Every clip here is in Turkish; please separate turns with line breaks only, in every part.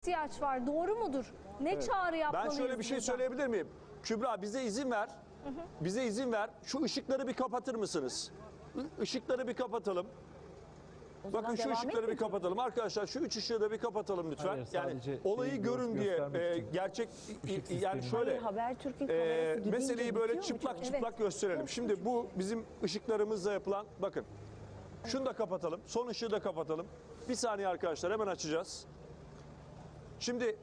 ihtiyaç var. Doğru mudur? Ne çağrı
Ben
yapmalıyız
şöyle bir şey
burada?
söyleyebilir miyim? Kübra bize izin ver. Bize izin ver. Şu ışıkları bir kapatır mısınız? Işıkları bir kapatalım. Bakın şu
devam
ışıkları bir
etmeyecek.
kapatalım. Arkadaşlar şu üç ışığı da bir kapatalım lütfen.
Hayır,
Yani
sadece
olayı
şeyi
görün diye
göstermek için.
gerçek
sistemi.
yani şöyle
Hayır, Habertürk'ün kamerası gidince
meseleyi böyle
bitiyor mu
çıplak
çok?
çıplak gösterelim. Şimdi bu bizim ışıklarımızla yapılan bakın. Şunu da kapatalım. Son ışığı da kapatalım. Bir saniye arkadaşlar hemen açacağız. Şimdi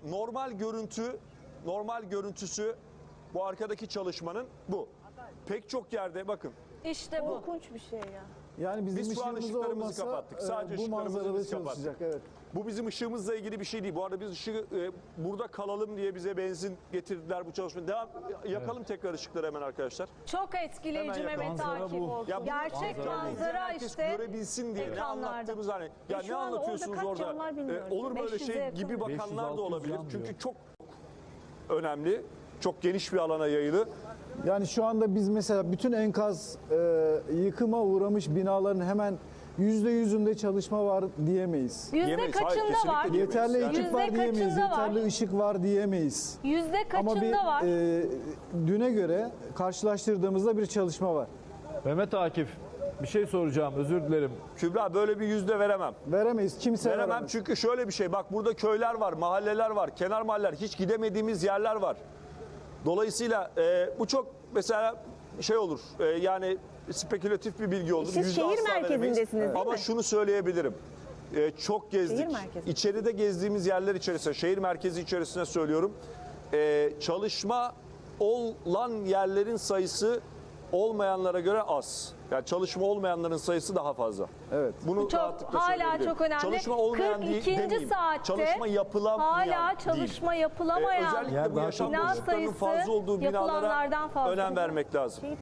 normal görüntüsü bu arkadaki çalışmanın bu. Pek çok yerde bakın.
İşte bu.
Korkunç bir şey ya.
Yani bizim
Biz şu an
ışığımız
ışıklarımızı
olmasa
kapattık. Sadece
bu
ışıklarımızı
manzarada
biz kapattık.
çalışacak. Evet.
Bu bizim ışığımızla ilgili bir şey değil. Bu arada biz ışığı burada kalalım diye bize benzin getirdiler bu çalışma. Yakalım tekrar ışıkları hemen arkadaşlar.
Çok etkileyici
Hemen
Mehmet
manzara
Akif.
bu.
Ya bu
Gerçek
manzara
manzara
herkes
işte
görebilsin diye ne
ekranlarda.
anlattığımız hani ya ne
şu an orada
anlatıyorsunuz
kaç
orada?
cam var bilmiyoruz.
Olur böyle
500'e
şey
yakın.
gibi bakanlar
500-600
da olabilir.
cam
Çünkü
diyor.
çok önemli. Çok geniş bir alana yayılı.
Yani şu anda biz mesela bütün enkaz yıkıma uğramış binaların hemen %100'ünde çalışma var diyemeyiz.
Yüzde
Diyemeyiz. Hayır,
kaçında
kesinlikle
var?
diyemeyiz.
Yeterli
Yani-
ekip var
Yüzde
diyemeyiz,
kaçında var?
yeterli ışık var diyemeyiz.
Yüzde
Ama
kaçında var?
düne göre karşılaştırdığımızda bir çalışma var.
Mehmet Akif, bir şey soracağım, özür dilerim.
Kübra böyle bir yüzde veremem.
Veremeyiz, kimse
Veremem
veremez.
çünkü şöyle bir şey. Bak burada köyler var, mahalleler var, kenar mahalleler, hiç gidemediğimiz yerler var. Dolayısıyla bu çok mesela şey olur. Yani spekülatif bir bilgi olur.
Siz
Yüzde
şehir
asla veremeyiz.
merkezindesiniz, değil
Ama
mi?
şunu söyleyebilirim. Çok gezdik.
Şehir merkezi.
İçeride gezdiğimiz yerler içerisinde, şehir merkezi içerisinde söylüyorum. Çalışma olan yerlerin sayısı olmayanlara göre az. Yani çalışma olmayanların sayısı daha fazla.
Evet.
Bunu
Çok
rahatlıkla
hala
söyleyebilirim.
çok önemli.
Çalışma olmayan
42.
demeyeyim.
saatte
Çalışma yapılamayan
hala
değil.
çalışma yapılamayan
Özellikle
Yer
bu
daha
yaşam
çok
bina
boşluklarının
sayısı
fazla olduğu binalara
yapılanlardan fazla.
önem vermek lazım.